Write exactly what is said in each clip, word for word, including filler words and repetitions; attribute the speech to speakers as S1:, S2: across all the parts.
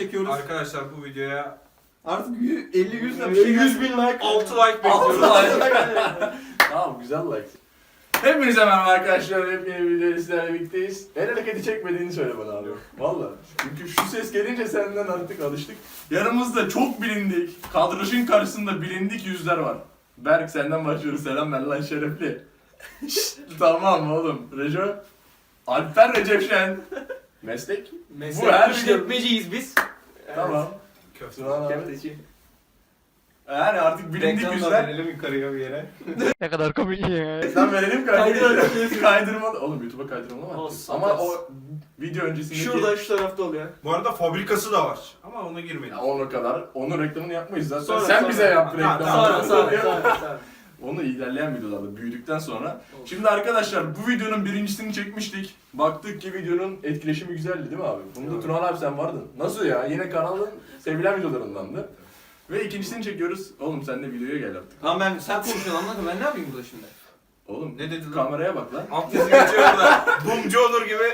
S1: çekiyoruz.
S2: Arkadaşlar bu videoya
S1: Artık elli yüz
S3: yüz bin like.
S2: altı like bekliyoruz.
S3: Tamam, güzel like. Hepinize merhaba arkadaşlar, hep yeni videoda sizlerle birlikteyiz. El hareketi çekmediğini söyle bana abi. Valla. Çünkü şu ses gelince senden artık alıştık. Yanımızda çok bilindik, kadrajın karşısında bilindik yüzler var. Berk, senden başlıyoruz. Selam ver lan şerefli. Tamam oğlum. Rejo. Alper Recep Şen. Meslek.
S1: Meslek
S3: Bu her
S1: işletmeciyiz biz.
S3: Tamam.
S2: Köfte.
S3: Sıra abi.
S1: Köfteci.
S3: Yani artık bilindik
S1: Reklamlar
S3: yüzler.
S1: verelim yukarıya bir yere.
S4: Ne kadar komik ya.
S3: Sen verelim
S1: Kaydıralım.
S3: kaydırma. Kaydırma. Oğlum YouTube'a kaydırma ama.
S1: Olsun,
S3: Ama
S1: olsun.
S3: o video öncesindeki...
S1: Şurada şu tarafta oluyor.
S2: Bu arada fabrikası da var. Ama ona girmeyin.
S3: Ya ona kadar. Onun reklamını yapmayız zaten.
S1: Sonra,
S3: Sen
S1: sonra.
S3: bize yap
S2: Ha,
S3: reklamını.
S2: tamam.
S1: Sonra sonra sonra sonra.
S3: Onu ilerleyen videolarda büyüdükten sonra.
S1: Olsun.
S3: Şimdi arkadaşlar bu videonun birincisini çekmiştik. Baktık ki videonun etkileşimi güzeldi değil mi abi? Bunda
S2: Evet.
S3: Turan abi sen vardın. Nasıl ya? Yine kanalın sevilen videolarındandı. Ve ikincisini çekiyoruz. Oğlum sen de videoya gel artık.
S1: Lan ben sen konuşuyorsun anladın ben ne yapayım burada şimdi?
S3: Oğlum
S2: Ne dedi lan?
S3: kameraya bak lan.
S2: Alt yazı geçiyor da. Bumcu olur gibi.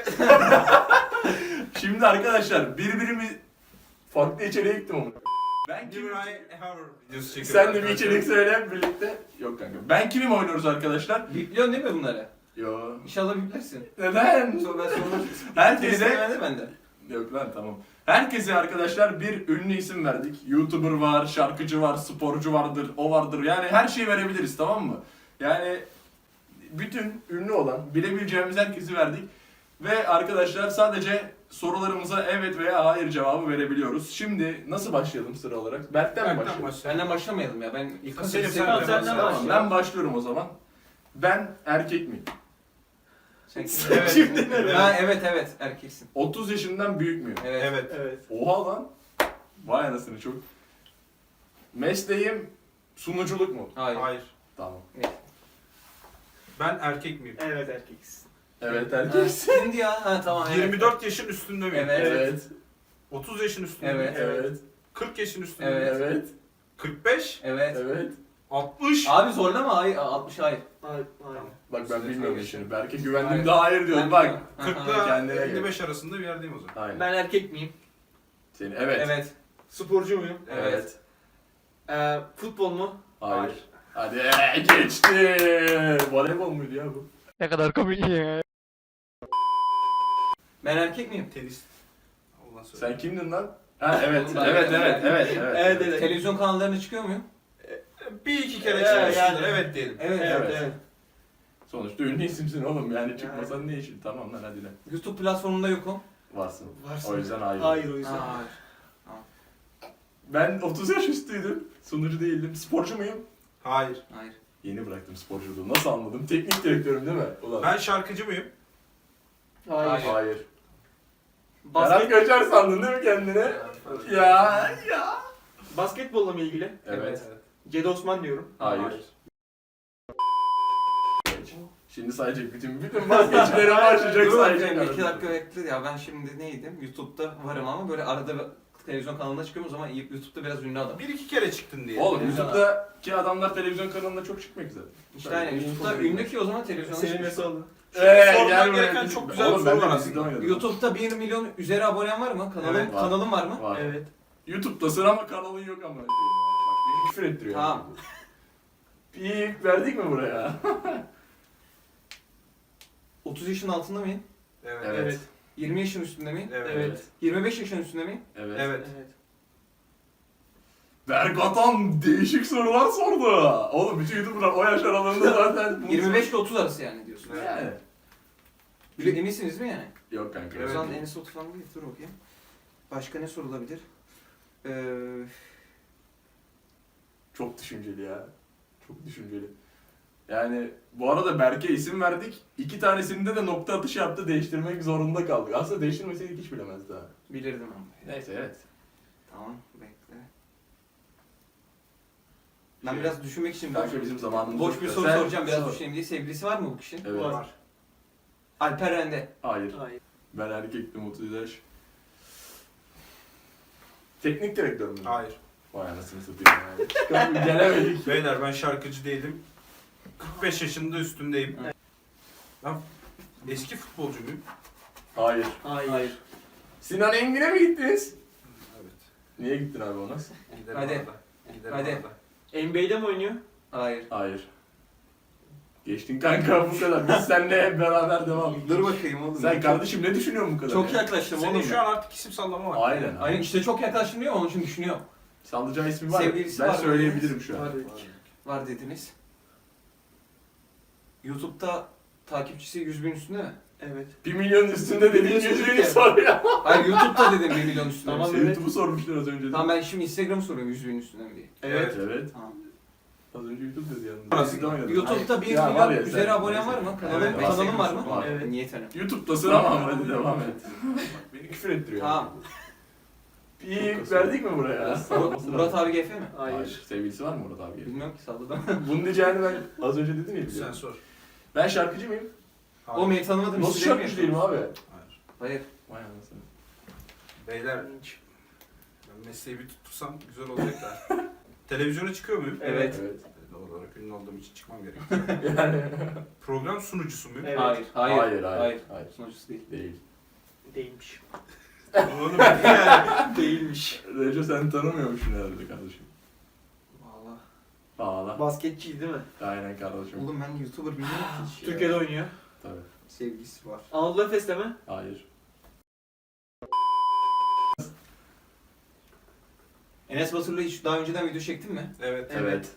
S3: Şimdi arkadaşlar birbirimiz farklı içeriğe gittim onu. Ben
S2: Give
S3: kimim?
S2: me a hammer videosu çekiyoruz.
S3: Sen de bir
S2: arkadaşlar.
S3: içerik söyle birlikte. Yok kanka. Ben kimim oynuyoruz arkadaşlar?
S1: Bipliyorsun değil mi bunları?
S3: Yo.
S1: İnşallah biplersin.
S3: Neden?
S1: Sonra ben sormak
S3: Herkese...
S1: Herkese bende.
S3: Yok lan tamam. Herkese arkadaşlar bir ünlü isim verdik. YouTuber var, şarkıcı var, sporcu vardır, o vardır. Yani her şeyi verebiliriz, tamam mı? Yani bütün ünlü olan, bilebileceğimiz herkesi verdik. Ve arkadaşlar sadece sorularımıza evet veya hayır cevabı verebiliyoruz. Şimdi nasıl başlayalım sıra olarak? Berk'ten mi
S2: Berk'ten
S3: başlayalım?
S2: başlayalım.
S1: Benden başlamayalım ya ben ilk
S2: Senin
S1: Senin
S2: sen
S1: sen
S2: de
S1: senden
S2: başla.
S1: başla.
S3: Ben başlıyorum o zaman. Ben erkek miyim?
S1: Sen kim?
S2: Evet.
S1: Şimdi Ha evet evet erkeksin.
S3: otuz yaşından büyük müyüm?
S1: Evet.
S2: Evet.
S1: Evet.
S3: Oha lan. Vay anasını çok. Mesleğim sunuculuk mu?
S1: Hayır.
S2: Hayır.
S3: Tamam.
S2: Ben erkek miyim?
S1: Evet erkeksin.
S3: Evet
S1: Ha,
S3: erkeksin.
S1: kimdi ya? Ha tamam evet.
S2: yirmi dört yaşın üstünde miyim?
S1: Evet.
S3: Evet.
S2: otuz yaşın üstünde
S1: Evet.
S2: miyim?
S3: Evet.
S2: kırk yaşın üstünde
S1: Evet.
S2: miyim?
S3: Evet.
S2: kırk beş,
S1: Evet.
S3: Evet.
S2: altmış.
S1: Abi zorlama hayır altmış hayır.
S2: Hayır.
S3: Bak ben
S1: Üstüne
S3: bilmiyorum
S1: geçelim.
S3: şimdi. Berke güvendim
S1: Hayır.
S3: de hayır diyorum. Bak.
S2: kırk
S1: Aha.
S2: ile
S3: kendine gel.
S2: elli beş arasında bir yerdeyim o zaman.
S3: Aynen.
S5: Ben erkek miyim?
S3: Seni evet.
S1: Evet.
S5: Sporcu muyum?
S3: Evet.
S5: Ee, futbol mu?
S3: Hayır. Hadi ee, geçti. Voleybol muydu ya bu?
S4: Ne kadar komik ya.
S1: Ben erkek miyim?
S2: Tenis. Allah söyle.
S3: Sen kimdin lan? Ha evet.
S1: Ben-
S3: Evet
S1: ben-
S3: evet evet evet.
S5: Evet, evet.
S1: Televizyon kanallarına çıkıyor muyum?
S2: Bir iki kere
S5: Evet,
S2: çıkmışsındır.
S5: yani.
S2: Evet diyelim.
S1: Evet.
S3: Evet.
S1: evet.
S3: Sonuçta ünlü isimsin oğlum yani çıkmasan ne işin? Tamam lan hadi lan.
S1: YouTube platformunda yokum.
S3: Varsın.
S5: Varsın.
S3: O yüzden hayır.
S5: Hayır o yüzden.
S1: Ha, hayır.
S3: Ben otuz yaş üstüydüm. Sunucu değildim. Sporcu muyum?
S2: Hayır.
S1: Hayır.
S3: Yeni bıraktım sporculuğu. Nasıl anladım? Teknik direktörüm değil mi? Ulan.
S2: Ben şarkıcı mıyım?
S5: Hayır.
S1: Hayır.
S3: Hayır. Berat
S5: Basket,
S3: Göçer sandın değil mi kendine? Ya ya.
S5: basketbolla mı ilgili?
S3: Evet.
S5: Cedi Osman diyorum.
S3: Hayır. Şimdi sayacak bütün bütün vazgeçilere başlayacak
S1: Dur
S3: sayacak.
S1: bakayım, iki
S3: arada.
S1: dakika bekle ya ben şimdi neydim? YouTube'da varım ama böyle arada bir televizyon kanalına çıkıyorum o zaman YouTube'da biraz ünlü adam.
S2: Bir iki kere çıktın diye.
S3: Oğlum
S1: Evet.
S3: YouTube'daki adamlar televizyon kanalında çok çıkmak güzel.
S1: İşte aynen YouTube'da ünlü ki o zaman televizyonda
S5: Senin
S1: çıkıyor.
S5: nasıl oldu?
S3: Eee
S2: sorman gereken çok güzel bir soru var aslında.
S1: YouTube'da bir milyon üzeri abonen var mı? Kanalın,
S3: Evet, var.
S1: kanalın var mı?
S3: Var.
S5: Evet.
S3: YouTube'dasın ama kanalın yok ama. Bak beni küfür ettiriyor.
S1: Tamam.
S3: Pip verdik mi buraya?
S1: otuz yaşın altında mıyım?
S2: Evet.
S3: Evet.
S5: Evet.
S1: yirmi yaşın üstünde miyim?
S2: Evet.
S5: Evet.
S1: yirmi beş yaşın üstünde miyim?
S3: Evet.
S2: Evet.
S5: Evet.
S3: Berk Atan değişik sorular sordu. Oğlum bütün YouTuber'lar o yaş aralığında zaten... bunu
S1: yirmi beş ile otuz arası yani diyorsun.
S2: Evet.
S3: Yani.
S1: Bile eminsiniz mi yani?
S3: Yok kanka.
S1: O
S2: Evet.
S1: zaman Enes Batur falan değil. Dur bakayım. Başka ne sorulabilir? Ee,
S3: Çok düşünceli ya. Çok düşünceli. Yani bu arada Berk'e isim verdik. İki tanesinde de nokta atışı yaptı. Değiştirmek zorunda kaldık. Aslında değiştirmeseydik hiç bilemezdi ha.
S1: bilirdim ama.
S3: Neyse evet.
S1: Tamam bekle. Ben
S3: Şey,
S1: biraz düşünmek için
S3: Kanka bizim zamanımız
S1: boş
S3: yok
S1: bir
S3: ya.
S1: soru
S3: Sen
S1: soracağım biraz
S3: sor.
S1: düşüneyim diye. Sevgilisi var mı bu kişinin?
S3: Evet.
S5: Var.
S1: Alper Rende.
S3: Hayır.
S5: Hayır.
S3: Ben erkektim otuz yaş. Teknik direktör mü?
S2: Hayır.
S3: Vay anasını satayım yani. Gelemedik.
S2: Beyler ben şarkıcı değilim. kırk beş yaşında üstündeyim.
S1: Evet.
S2: Ben eski futbolcu muyum?
S3: Hayır.
S5: Hayır.
S3: Sinan Engin'e mi gittiniz? Niye gittin abi ona?
S2: Giderim
S1: Hadi.
S2: arada. Giderim
S1: Hadi.
S2: arada.
S5: N B A'de mi oynuyor?
S1: Hayır.
S3: Hayır. Geçtin kanka bu kadar. Biz seninle hep beraber devam.
S1: Dur bakayım oğlum.
S3: Sen kardeşim ne düşünüyorsun bu kadar?
S1: Çok
S3: ya?
S1: yaklaştım
S2: Senin
S1: oğlum.
S2: şu
S1: ben.
S2: an artık isim sallama var.
S3: Aynen.
S1: Aynen işte çok yaklaştım diyor onun için düşünüyorum.
S3: Sallayacağı ismi var.
S1: Sevgilisi
S3: ben
S1: var mı?
S3: söyleyebilirim şu an.
S5: Var dedik.
S1: Var dediniz. YouTube'da takipçisi yüz bin üstünde mi?
S5: Evet.
S3: Bir milyon üstünde dediğin
S5: Biliyorsun
S3: yüzünü
S5: ki.
S3: sor ya.
S1: Hayır YouTube'da dedim bir milyon üstünde.
S5: Tamam.
S1: mi?
S5: evet.
S3: YouTube'u sormuşlar az önce.
S1: Tamam ben şimdi Instagram soruyorum yüz bin üstünde mi diye.
S5: Evet.
S3: Evet.
S1: Tamam.
S3: Az önce YouTube dedi yalnız.
S2: Parası-
S3: Biz de oynadık.
S1: YouTube'da bir
S3: Ya var
S1: milyon
S3: ya,
S1: üzeri
S3: sen-
S1: abonen var mı? Kanalın,
S2: Evet, var.
S1: kanalın var mı?
S3: Var.
S5: Evet.
S1: Niye tanım?
S3: YouTube'dasın ama hadi devam et. Beni küfür ettiriyor.
S1: Tamam.
S3: Bir verdik mi buraya?
S1: Murat abi G F mi?
S5: Hayır.
S3: Hayır. Sevgilisi var mı Murat abi?
S1: Bilmiyorum ki salladım.
S3: Bunu diyeceğini ben az önce dedim ya.
S2: Sen
S3: biliyorum.
S2: sor.
S3: Ben şarkıcı mıyım?
S2: Hayır.
S1: O beni tanımadım.
S3: Nasıl
S1: isimleri mi
S3: şarkıcı değilim
S1: yapıyorsun?
S3: abi?
S2: Hayır.
S1: Hayır.
S3: Vay anasını.
S2: Beyler, ben mesleği bir tuttursam güzel olacak da. Televizyona çıkıyor muyum?
S1: Evet.
S3: Evet.
S2: Doğal olarak ünlü olduğum için çıkmam gerekiyor.
S3: Yani.
S2: Program sunucusu muyum?
S5: Evet.
S1: Hayır. Hayır.
S3: Hayır, hayır.
S1: Hayır.
S3: Hayır.
S1: Sunucusu değil.
S3: Değil.
S5: Değilmiş.
S2: Oğlum yani.
S5: Değilmiş.
S3: Reco sen tanımıyormuşsun herhalde kardeşim.
S1: Valla.
S3: Ağla.
S5: Basketçi değil mi?
S3: Aynen kardeşim.
S1: Oğlum ben YouTuber bilmiyorum ki hiç ya.
S5: Türkiye'de oynuyor.
S3: Tabii.
S1: Sevgilisi var.
S5: Anadolu Efes'te mi?
S3: Hayır.
S1: Enes Batur'la hiç daha önceden video çektin mi?
S2: Evet.
S3: Evet.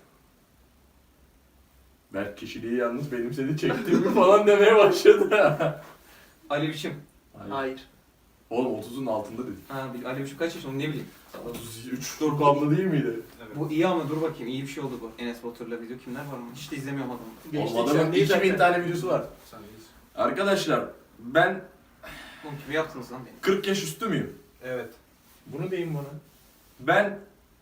S3: Berk kişiliği yalnız benimsedi çektim mi falan demeye başladı.
S1: Ali Biçim.
S3: Hayır.
S5: Hayır.
S3: Oğlum otuzun altında dedik.
S1: Ha, bil- Ali Biçim kaç yaşında onu ne bileyim. Salladım.
S3: otuz üç Dorukhanlı değil miydi?
S2: Evet.
S1: Bu iyi ama dur bakayım iyi bir şey oldu bu. Enes Batur'la video kimler var mı? Hiç de izlemiyorum adamı.
S5: Geçtik
S3: Oğlum adamın
S5: sen değil
S3: iki bin
S5: zaten.
S3: tane videosu var.
S2: Sen iyisin.
S3: Arkadaşlar ben
S1: Oğlum kimi yaptınız lan beni?
S3: kırk yaş üstü müyüm?
S2: Evet.
S3: Bunu deyin bana. Ben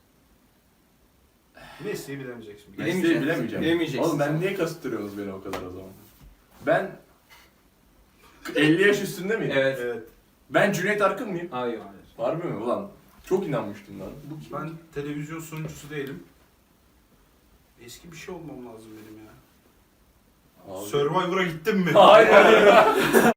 S2: Mesleği bilemeyeceksin.
S1: Bilemeyeceğim.
S3: mesleği bilemeyeceğim.
S1: Bilemeyeceksin.
S3: Oğlum ben niye kasıttırıyorsunuz beni o kadar o zaman? Ben elli yaş üstünde miyim?
S1: Evet.
S2: Evet.
S3: Ben Cüneyt Arkın mıyım?
S1: Hayır.
S2: Hayır.
S3: Harbi mi ulan? Çok inanmıştım lan. Bu kim?
S2: Ben televizyon sunucusu değilim. Eski bir şey olmam lazım benim ya.
S3: Abi.
S2: Survivor'a gittim mi?
S3: Hayır.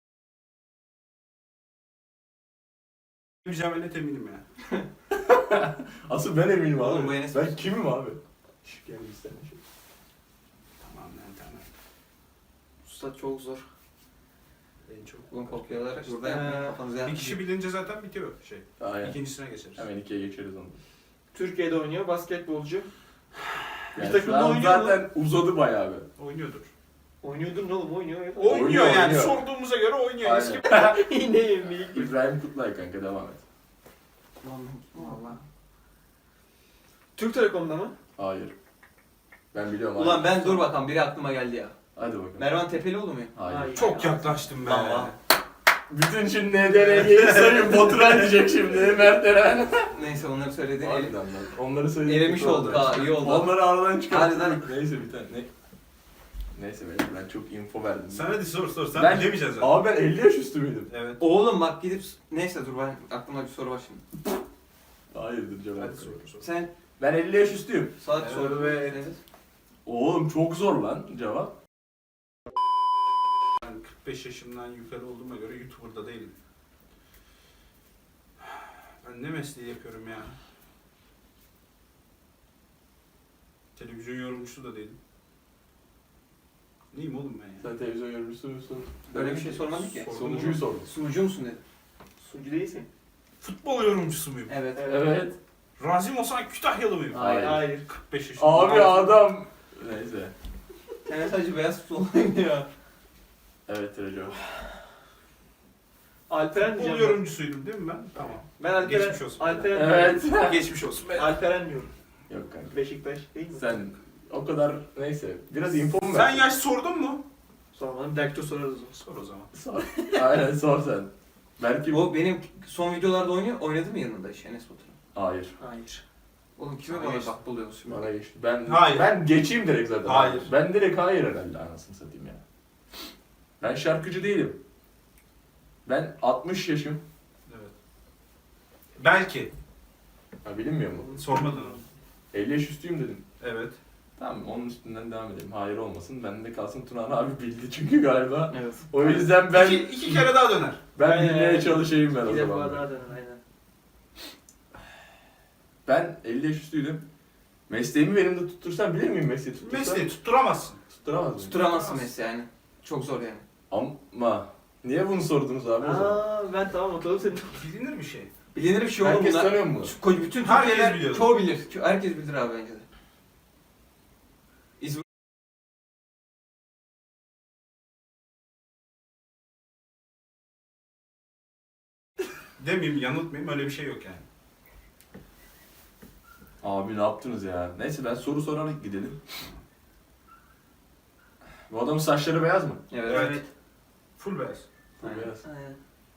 S2: Bilemeyeceğime net eminim ya.
S3: Asıl ben eminim abi.
S1: Oğlum bu Enes
S3: ben
S1: Batur.
S3: kimim abi? Şş, gel bir sen şey.
S2: Tamam lan tamam.
S5: Usta çok zor.
S2: En çok.
S1: Ulan kopyalar burada
S5: Ee,
S1: yapmayın kafanıza
S2: Bir
S1: yapmayın.
S2: kişi bilince zaten bitiyor şey.
S3: Aynen.
S2: İkincisine geçeriz.
S3: Hemen ikiye geçeriz onu.
S5: Türkiye'de oynuyor. Basketbolcu. Bir
S3: Yani
S5: takımda
S3: şu an
S5: oynuyor mu?
S3: zaten uzadı bayağı be.
S2: Oynuyordur.
S5: Oynuyordur ne oğlum oynuyor.
S2: Oynuyor,
S3: Oynuyor,
S2: yani
S3: oynuyor.
S2: sorduğumuza göre oynuyor.
S3: Aynen.
S2: Eski
S5: Yine yemeği.
S3: İbrahim Kutlay kanka devam et.
S1: Valla.
S5: Türk Telekom'da mı?
S3: Hayır. Ben biliyorum.
S1: Ulan
S3: hayır.
S1: ben dur bakalım biri aklıma geldi ya.
S3: Hadi bakalım.
S1: Mervan Tepelioğlu mu?
S3: Hayır.
S5: Hayır.
S2: çok yaklaştım be.
S1: Tamam.
S3: Bütün şimdi N D N G'yi sayın Baturay diyecek şimdi Mert Eren.
S1: Neyse onları söyledin.
S3: Harbiden lan. Onları söyledik.
S1: Elemiş olduk ha iyi oldu.
S3: Onları aradan çıkarttık.
S1: Harbiden.
S3: Neyse bir tane. Ne? Neyse ben, ben çok info verdim.
S2: Sen hadi sor sor. Sen
S3: Ben-
S2: bilemeyeceksin zaten.
S3: Abi ben elli yaş üstü müydüm?
S2: Evet.
S1: Oğlum bak gidip neyse dur ben aklıma bir soru var şimdi.
S3: Hayırdır cevap.
S2: Hadi sor sor.
S1: Sen
S3: Ben elli yaş üstüyüm.
S1: salak
S2: Evet.
S1: soru ve evet.
S3: Oğlum çok zor lan cevap.
S2: Ben kırk beş yaşımdan yukarı olduğuma göre YouTuber'da değilim. Ben ne mesleği yapıyorum ya? Televizyon yorumcusu da değilim. Neyim oğlum ben ya?
S3: Sen televizyon yorumcusu musun?
S1: Öyle bir şey sormadın ki.
S2: Sordum
S3: Sonucuyu
S2: oğlum.
S3: sordum.
S1: Sunucu musun dedim.
S5: Sunucu değilsin.
S2: Futbol yorumcusu muyum?
S1: Evet.
S3: Evet.
S2: Razim Ozan Kütahyalı mıyım?
S1: Hayır.
S5: Hayır.
S2: kırk beş yaşında.
S3: Abi adam. Neyse.
S1: Sen sadece beyaz futbol ya.
S3: Evet Reco.
S5: Alperen
S2: Futbol
S5: diyeceğim. ben.
S2: yorumcusuydum değil mi ben? Tamam.
S5: Ben Alperen,
S2: Geçmiş olsun.
S5: Alperen,
S3: Evet.
S2: Geçmiş olsun be.
S5: Alperen diyorum.
S3: Yok kanka.
S5: Beşiktaş değil mi?
S3: Sen o kadar neyse. Biraz info mu
S2: Sen
S3: ver?
S2: yaş sordun mu?
S5: Sormadım. Belki de sorarız onu.
S2: Sor o zaman.
S3: Sor. Aynen sor sen. Belki
S1: O benim son videolarda oynuyor. Oynadı mı yanında hiç Enes Batur'un?
S3: Hayır.
S5: Hayır.
S1: Oğlum kime
S2: Sana
S1: bana
S2: geçti.
S1: bak buluyorsun şimdi?
S3: Bana geçti. Ben
S2: Hayır.
S3: ben geçeyim direkt zaten.
S2: Hayır.
S3: Ben direkt hayır herhalde anasını satayım ya. Ben şarkıcı değilim. Ben altmış yaşım.
S2: Evet. Belki.
S3: Ha bilinmiyor mu?
S2: Sormadın onu.
S3: elli yaş üstüyüm dedim.
S2: Evet.
S3: Tamam onun üstünden devam edelim. Hayır olmasın. Bende kalsın Tunan abi bildi çünkü galiba.
S5: Evet.
S3: O yüzden ben
S2: İki, iki kere daha döner.
S3: ben
S5: Aynen,
S3: bilmeye
S5: aynen.
S3: çalışayım ben o
S5: Bir defa
S3: zaman.
S5: daha denen aynen.
S3: Ben elli yaş üstüydüm. Mesleğimi benim de tuttursam bilir miyim mesleği tuttursam?
S2: Mesleği tutturamazsın.
S3: Tutturamaz mıyım?
S1: Tutturamazsın mesleği yani. Çok zor yani.
S3: Ama niye bunu sordunuz abi o zaman?
S5: Aa ben tamam hatırladım seni.
S2: Bilinir bir şey.
S1: Bilinir bir şey oğlum
S3: Herkes
S1: bunlar.
S3: tanıyor mu?
S1: Koy- Bütün
S2: Herkes
S1: Türkiye'ler
S2: biliyor.
S1: çoğu bilir. Ço- Herkes bilir abi bence de. İzmir
S2: Demeyeyim, yanıltmayayım, öyle bir şey yok yani.
S3: Abi ne yaptınız ya? Neyse ben soru sorarak gidelim. Bu adamın saçları beyaz mı?
S1: Evet.
S2: Evet. Full beyaz.
S1: Aynen.
S3: Beyaz.
S5: Aynen.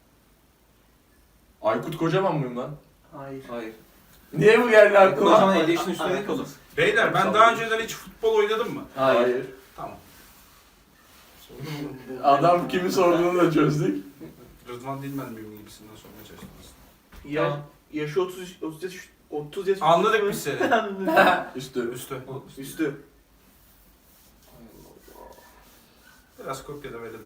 S3: Aykut Kocaman mıyım lan?
S5: Hayır.
S1: Hayır.
S3: Niye bu geldi
S1: O
S3: aklıma?
S1: zaman elli yaşın üstünde değil ki oğlum.
S2: Beyler ben
S3: Sağ
S2: daha
S3: olun.
S2: önceden hiç futbol oynadım mı?
S1: Hayır.
S2: Tamam.
S3: Adam kimi sorduğunu da çözdük.
S2: Rıdvan Dilmen miyim gibisinden sormaya çalıştım aslında.
S5: Ya,
S1: Tamam.
S5: yaşı otuz, otuz yaş, otuz yaş.
S2: Anladık
S5: üstü
S2: biz seni.
S5: mü?
S3: Üstü.
S2: Üstü.
S5: Üstü.
S2: Biraz kopyala verelim.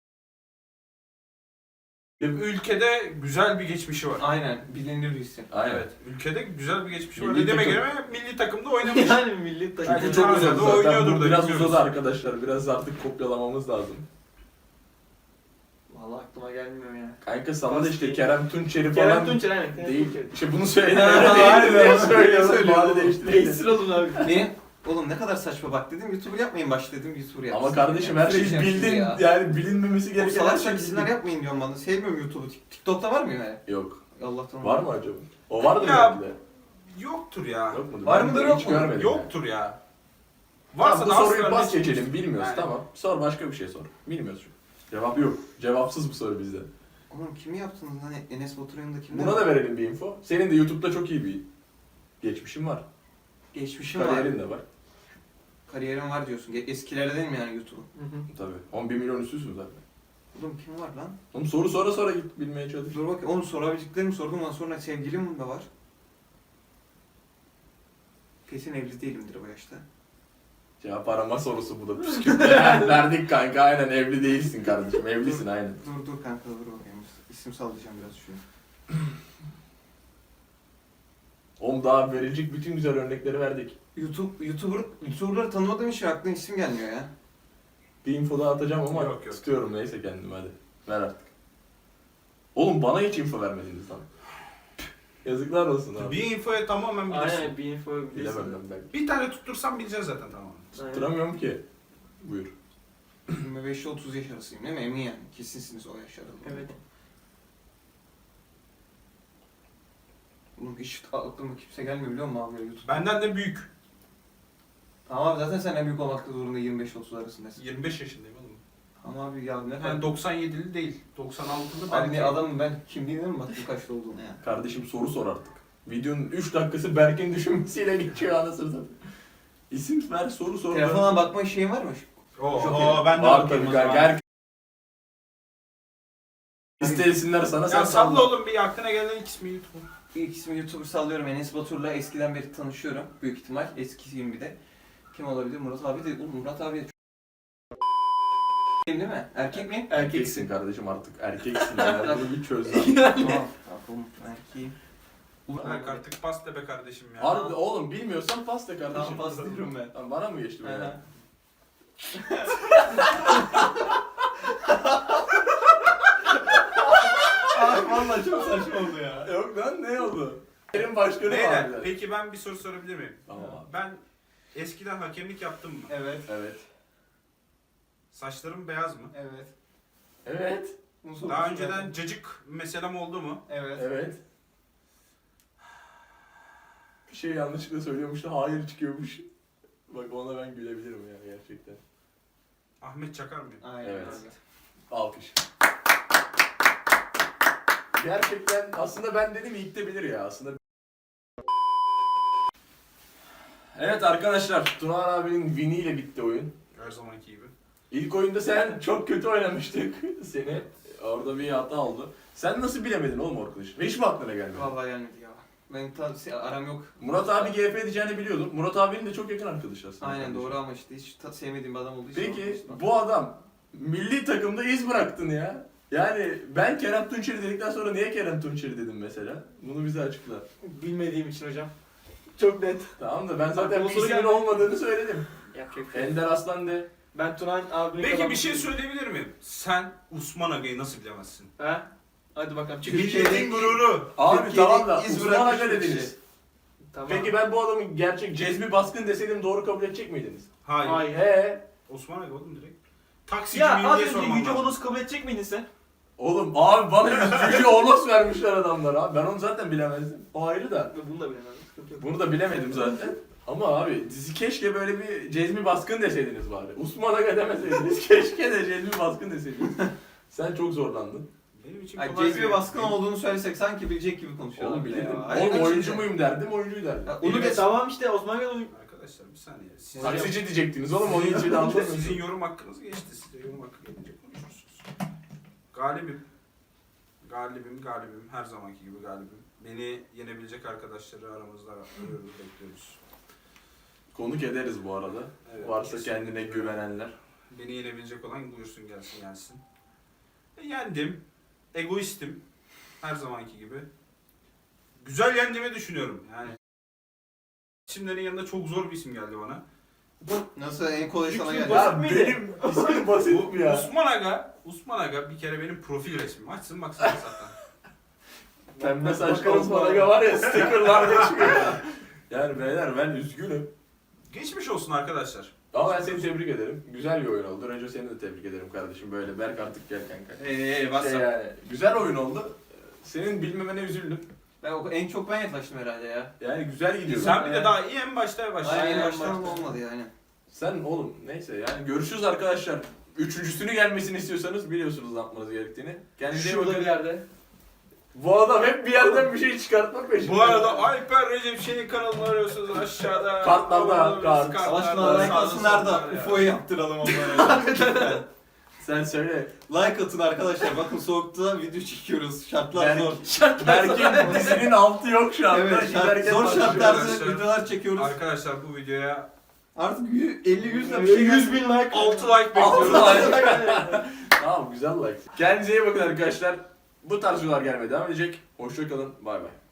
S2: Ülkede güzel bir geçmişi var.
S1: Aynen. Bilinir bir isim.
S3: Aynen.
S2: Evet. Ülkede güzel bir geçmişi var.
S3: Milli
S2: Ne demek
S3: takım.
S2: göre milli takımda oynamış.
S5: Yani milli takım.
S2: Bence
S3: Çünkü çok
S2: Hala
S3: uzadı
S2: da
S3: zaten.
S2: oynuyordur
S3: Bu
S2: da
S3: biraz
S2: bilmiyoruz.
S3: uzadı arkadaşlar. Biraz artık kopyalamamız lazım.
S5: Vallahi aklıma gelmiyor ya.
S3: Kanka sana da
S5: Bas
S3: işte
S5: değil.
S3: Kerem Tunçeri
S5: Kerem
S3: falan
S5: Tunçer aynen. Kerem
S3: değil.
S5: Tunçer.
S3: İşte bunu söyledim.
S1: Ha,
S3: Öyle
S1: hayır,
S3: değil diye
S1: hayır,
S3: söylüyorum.
S1: söylüyor
S3: Bari
S1: oğlum.
S3: değiştirelim.
S5: Değiştir olun abi.
S1: Niye? Oğlum ne kadar saçma bak dedim YouTuber yapmayın baş dedim YouTuber yapsın.
S3: Ama kardeşim her şeyi bildin. Yani bilinmemesi
S1: O
S3: gereken her
S1: salak
S3: şey
S1: diziler
S3: bildin.
S1: yapmayın diyorum bana. Sevmiyorum YouTube'u. Tik- TikTok'ta var mı yani?
S3: Yok.
S1: Allah'tan.
S3: Var mı acaba? O vardır
S2: Ya,
S3: belki de.
S2: Yoktur ya.
S3: Yok mudur?
S1: Var
S3: Ben
S1: mıdır,
S3: de
S1: yok
S3: hiç
S1: mudur?
S3: görmedim
S2: Yoktur ya.
S3: Varsa
S2: Varsa
S3: bu
S2: da
S3: soruyu
S2: asla
S3: pas
S2: ne-
S3: geçelim. Bilmiyoruz
S2: Yani.
S3: tamam. Sor başka bir şey sor. Bilmiyoruz çünkü. Cevap yok. Cevapsız bu soru bizde.
S1: Oğlum kimi yaptınız lan? Enes Batur'un yanında kimler
S3: Buna
S1: var?
S3: da verelim bir info. Senin de YouTube'da çok iyi bir geçmişin var.
S1: Geçmişim var.
S3: Kariyerin de var.
S1: Kariyerim var diyorsun. Ge- Eskilerde değil mi yani YouTube'u?
S5: Hı hı.
S3: Tabii. on bir milyon üstüsün zaten.
S1: Oğlum kim var lan?
S3: Oğlum soru sonra sonra git bilmeye çalış.
S1: Dur bakayım. Oğlum sorabileceklerimi sordum ondan sonra sevgilim de var. Kesin evli değilimdir bu yaşta.
S3: Cevap arama sorusu bu da püskürtme. Verdik kanka aynen evli değilsin kardeşim. Evlisin aynen.
S1: Dur dur kanka dur bakayım. İsim sallayacağım biraz şu.
S3: Oğlum daha verilecek bütün güzel örnekleri verdik.
S1: YouTube, YouTuber, YouTuber'ları tanımadığım için aklıma isim gelmiyor ya.
S3: Bir info daha atacağım ama
S2: Yok, yok.
S3: tutuyorum neyse kendim hadi. Ver artık. Oğlum bana hiç info vermediniz lan. Yazıklar olsun abi.
S2: Bir infoya tamamen bilirsin.
S5: Aynen bir info bilirsin.
S3: Bilemem ben belki.
S2: Bir tane tuttursam bileceksin zaten tamam.
S5: Aynen.
S3: Tutturamıyorum ki. Buyur.
S1: yirmi beş ile otuz yaş arasıyım değil mi? Emin yani. Kesinsiniz o yaş aralığında.
S5: Evet.
S1: Oğlum hiç aklıma kimse gelmiyor biliyor musun abi YouTube?
S2: Benden de büyük.
S1: Tamam abi zaten sen en büyük olmakta zorunda yirmi beş otuz arasındasın.
S2: yirmi beş yaşındayım oğlum.
S1: Ama abi ya ne
S2: Yani
S1: kadar...
S2: doksan yedili değil. doksan altılı
S1: Abi
S2: belki.
S1: ne adamım ben kimliğine mi baktım kaçta olduğunu ya?
S3: Kardeşim soru sor artık. Videonun üç dakikası Berk'in düşünmesiyle geçiyor anasını satayım. İsim ver soru sor.
S1: Telefona bakma şeyin var mı?
S2: Oo,
S1: Çok
S2: oo,
S1: iyi.
S2: ben de
S3: Var
S2: bakayım
S3: tabii
S2: o zaman.
S3: kanka. Her... İstesinler sana sen
S2: Ya salla
S3: salla.
S2: oğlum bir aklına gelen ilk ismi YouTube.
S1: İlk ismi YouTuber sallıyorum. Enes Batur'la eskiden beri tanışıyorum. Büyük ihtimal. Eskisiyim bir de. Kim olabilir? Murat abi de. Oğlum Murat abi de çok... Değil mi? Erkek mi?
S3: Erkeksin kardeşim artık. Erkeksin ya. Bunu bir çöz lan.
S1: Tamam. Tamam. Erkeğim.
S2: Berk artık pas de be kardeşim ya.
S3: Harbi oğlum bilmiyorsan pas de kardeşim.
S1: Tamam, pas diyorum ben.
S3: Tamam, bana mı geçti böyle?
S1: Aha. Abi valla çok saçma oldu ya.
S3: Yok lan ne oldu? Benim başkanı
S2: Beyler,
S3: vardı.
S2: peki ben bir soru sorabilir miyim?
S3: Tamam abi.
S2: Ben eskiden hakemlik yaptım mı?
S1: Evet.
S3: Evet.
S2: Saçlarım beyaz mı?
S1: Evet.
S3: Evet.
S1: Nasıl
S2: Daha
S1: olmuş
S2: önceden
S1: ya?
S2: cacık meselem oldu mu?
S1: Evet.
S3: Evet. Bir şey yanlışlıkla söylüyormuş da hayır çıkıyormuş. Bak ona ben gülebilirim ya gerçekten.
S2: Ahmet Çakar mıyım?
S1: Aynen
S3: Evet.
S1: öyle.
S3: Alkış. Gerçekten aslında ben dedim ilk de bilir ya aslında. Evet arkadaşlar Tuna abinin win'i ile bitti oyun.
S2: Her zamanki gibi.
S3: İlk oyunda sen çok kötü oynamıştık seni. Orada bir hata oldu. Sen nasıl bilemedin oğlum arkadaş? Hiç mi aklına gelmedi?
S1: Vallahi gelmedi ya. Ben ta- aram yok.
S3: Murat abi G F edeceğini biliyordum. Murat abinin de çok yakın arkadaşı aslında.
S1: Aynen
S3: kardeşim.
S1: doğru ama işte hiç ta- sevmediğim bir adam olduğu için.
S3: Peki
S1: olmuştu.
S3: bu adam milli takımda iz bıraktın ya. Yani ben Kerem Tunçeri dedikten sonra niye Kerem Tunçeri dedim mesela? Bunu bize açıkla.
S5: Bilmediğim için hocam. Çok net.
S3: Tamam da ben zaten
S5: Aklıma
S3: bir
S5: soru
S3: ismin
S5: geldi.
S3: olmadığını söyledim.
S5: Yapacak bir şey yok.
S3: Ender Aslan de.
S5: Ben Turan abinin
S2: Peki bir
S5: kazanmasını
S2: şey
S5: istiyorum.
S2: söyleyebilir miyim? Sen Osman Aga'yı nasıl bilemezsin?
S5: He? Hadi bakalım çık.
S1: Türkiye'de-
S2: Milletin gururu.
S3: Abi
S1: Türkiye'de
S3: tamam da
S1: iz
S3: Osman
S1: bırakmış
S3: Aga
S1: bir
S3: dediniz.
S1: kişi.
S5: Tamam.
S3: Peki ben bu adamın gerçek Cezmi Baskın deseydim doğru kabul edecek miydiniz?
S2: Hayır.
S5: Hayır.
S3: He.
S2: Osman Aga oğlum direkt. Taksici
S5: Ya
S2: miyim
S5: az
S2: diye
S5: önce
S2: sormam
S5: Yüce
S2: lazım.
S5: Honos kabul edecek miydin sen?
S3: Oğlum abi bana Yüce Onos vermişler adamlar abi. Ben onu zaten bilemezdim. O ayrı da.
S5: Ben bunu da bilemem. Sıkıntı yok.
S3: Bunu da bilemedim zaten. Ama abi dizi keşke böyle bir Cezmi Baskın deseydiniz bari. Osman Aga demeseydiniz. Keşke de Cezmi Baskın deseydiniz. Sen çok zorlandın.
S2: Benim için
S1: Yani
S2: kolay
S1: Cezmi
S2: bir-
S1: baskın olduğunu söylesek sanki bilecek gibi konuşuyorlar.
S3: Oğlum
S1: bile
S3: bilirdim.
S1: ya.
S3: Oğlum
S1: Hayır,
S3: oyuncu
S1: şimdi-
S3: muyum derdim, oyuncuyu derdim.
S1: Ya,
S5: Onu
S1: onu
S5: ge
S1: geç.
S5: tamam işte Osman Gel oyun.
S2: Arkadaşlar bir saniye. Siz,
S3: Taksici diyecektiniz oğlum onun için de
S2: Sizin,
S3: anlamıyorsun.
S2: sizin yorum hakkınız geçti. Size yorum hakkı gelince konuşursunuz. Galibim. Galibim, galibim. Her zamanki gibi galibim. Beni yenebilecek arkadaşları aramızda arıyoruz, bekliyoruz.
S3: Konuk ederiz bu arada.
S2: Evet,
S3: Varsa
S2: kesinlikle.
S3: kendine güvenenler.
S2: Beni yenebilecek olan buyursun gelsin gelsin. E, yendim. Egoistim. Her zamanki gibi. Güzel yendiğimi düşünüyorum. Yani isimlerin yanında çok zor bir isim geldi bana.
S1: Nasıl en kolay sana
S5: Çünkü
S1: geldi.
S5: basit
S3: Ya
S5: miydi?
S3: benim ismim basit
S2: Bu
S3: mi ya?
S2: Osman Aga, Osman Aga bir kere benim profil resmim. Açsın baksana zaten.
S3: Pembe saçlı
S5: Bakarız
S3: Osman
S5: bana.
S3: Aga var ya stickerlar çıkıyor. Yani beyler ben üzgünüm.
S2: Geçmiş olsun arkadaşlar.
S3: Ama ben seni tebrik ederim. Güzel bir oyun oldu. Önce seni de tebrik ederim kardeşim. Böyle Berk artık gel kanka.
S1: Eee
S3: Şey yani, güzel oyun oldu. Senin bilmemene üzüldüm.
S1: Ben o- en çok ben yaklaştım herhalde ya.
S3: Yani güzel gidiyor.
S2: Sen bir de
S1: Evet.
S2: daha iyi en başta başla.
S1: Aynen
S2: En
S1: baştan
S2: başta.
S1: olmadı yani.
S3: Sen oğlum neyse yani görüşürüz arkadaşlar. Üçüncüsünü gelmesini istiyorsanız biliyorsunuz ne yapmanız gerektiğini. Kendinize iyi
S5: Şurada
S3: bakın.
S5: bir yerde.
S3: Bu adam hep bir yerden bir şey çıkartmak peşinde.
S2: Bu arada Alper Recep Şen'in kanalını arıyorsunuz aşağıda.
S3: Kartlarda,
S2: Abone
S3: kart.
S2: olabilirsiniz,
S1: Savaşla
S2: kartlarda,
S1: alakasınlar
S2: sağda
S1: da
S2: solda ya.
S1: U F O'yu yaptıralım onlara.
S3: Sen söyle.
S1: Like atın arkadaşlar. Bakın soğukta video çekiyoruz. Şartlar zor.
S3: Berk, Berk'in dizinin altı yok şu anda.
S1: Evet, şart,
S3: Giderken
S1: zor
S3: başlıyor.
S1: şartlarda
S2: arkadaşlar.
S1: videolar çekiyoruz.
S2: Arkadaşlar bu videoya
S1: Artık elli yüz de bir şey
S5: yüz bin like.
S2: altı like
S3: Altı
S2: bekliyoruz.
S3: like. Tamam güzel like. Kendinize iyi bakın arkadaşlar. Bu tarz videolar gelmeye devam edecek. Hoşça kalın. Bay bay.